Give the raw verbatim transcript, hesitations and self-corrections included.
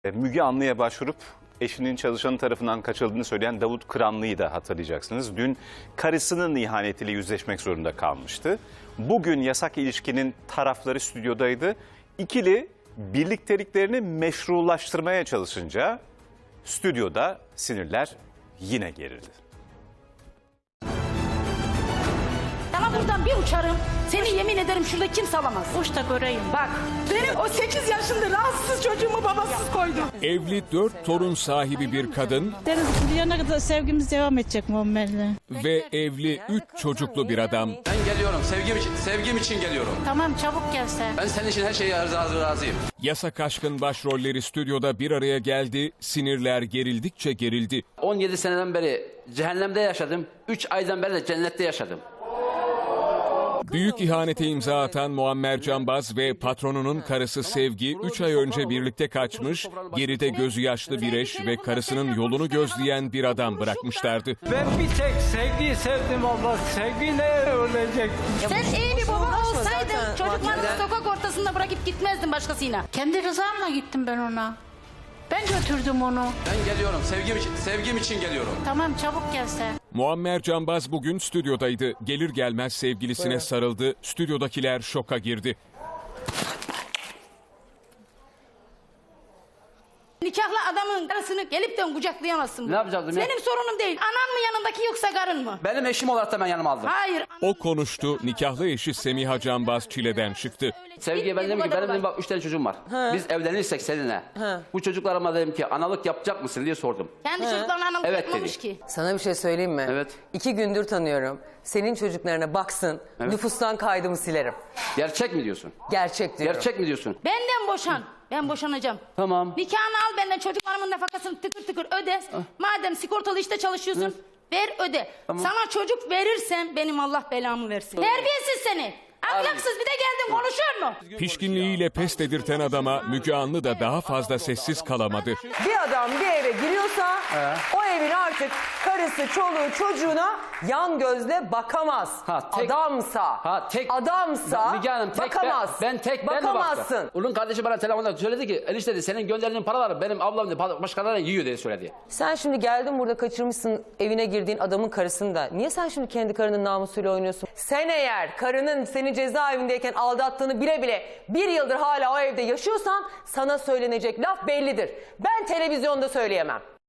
Müge Anlı'ya başvurup eşinin çalışanı tarafından kaçırıldığını söyleyen Davut Kıranlı'yı da hatırlayacaksınız. Dün karısının ihanetiyle yüzleşmek zorunda kalmıştı. Bugün yasak ilişkinin tarafları stüdyodaydı. İkili birlikteliklerini meşrulaştırmaya çalışınca stüdyoda sinirler yine gerildi. Sana buradan bir uçarım. Seni yemin ederim şurada kimse alamaz. Uç da göreyim. Bak benim o sekiz yaşında rahatsız çocuğumu babasız koydu. Evli dört torun sahibi bir kadın Deniz kıyana kadar sevgimiz devam edecek Muammer'le. ve evli üç çocuklu bir adam. Ben geliyorum sevgim için, sevgim için geliyorum. Tamam çabuk gel sen. Ben senin için her şeye razı, razıyım. Yasak aşkın başrolleri stüdyoda bir araya geldi, sinirler gerildikçe gerildi. on yedi seneden beri cehennemde yaşadım. üç aydan beri de cennette yaşadım. Büyük ihanete imza atan Muammer Canbaz ve patronunun karısı Sevgi üç ay önce birlikte kaçmış, geride gözü yaşlı bir eş ve karısının yolunu gözleyen bir adam bırakmışlardı. Ben bir tek sevgiyi sevdim abla. Sevgi ne ölecek? Sen iyi bir baba olsaydın çocuklarını sokak ortasında bırakıp gitmezdin başkasıyla. Kendi rızamla gittim ben ona. Ben götürdüm onu. Ben geliyorum sevgim için, sevgim için geliyorum. Tamam çabuk gel sen. Muammer Canbaz bugün stüdyodaydı. Gelir gelmez sevgilisine sarıldı. Stüdyodakiler şoka girdi. Nikahlı adamın karısını gelip de kucaklayamazsın. Ne yapacaktım ya? Benim sorunum değil. Anan mı yanındaki yoksa karın mı? Benim eşim olarak da ben yanıma aldım. Hayır. O konuştu. Nikahlı eşi Semiha Canbaz çileden çıktı. Sevgiye ben dedim ki benim dedim, bak üç tane çocuğum var. Biz evlenirsek seninle. Bu çocuklarıma dedim ki analık yapacak mısın diye sordum. Kendi çocuklarına analık Evet yapmamış dedi. ki. Sana bir şey söyleyeyim mi? Evet. İki gündür tanıyorum. Senin çocuklarına baksın, Evet. nüfustan kaydımı silerim. Gerçek mi diyorsun? Gerçek diyorum. Gerçek mi diyorsun? Benden boşan. Ben boşanacağım. Tamam. Nikahını al benden, çocuklarımın nafakasını tıkır tıkır öde. Madem sigortalı işte çalışıyorsun ver öde. Tamam. Sana çocuk verirsem benim Allah belamı versin. Terbiyesiz seni. Ahlaksız, bir de geldin konuşuyor mu? Pişkinliğiyle pes dedirten adama Müge Anlı da daha fazla sessiz kalamadı. Bir adam bir eve giriyorsa o evin artık karısı, çoluğu, çocuğuna yan gözle bakamaz. Ha, tek- adamsa, Ha, tek- adamsa Müge Hanım, tek bakamaz. Ben, ben tek ben mi Bakamazsın. baktım? Onun kardeşi bana telefonda söyledi ki enişte dedi, senin gönderdiğin paraları benim ablam dedi, başkalarına yiyor diye söyledi. Sen şimdi geldin burada kaçırmışsın evine girdiğin adamın karısını da. Niye sen şimdi kendi karının namusuyla oynuyorsun? Sen eğer karının seni cezaevindeyken aldattığını bile bile bir yıldır hala o evde yaşıyorsan sana söylenecek laf bellidir. Ben televizyonda söyleyemem.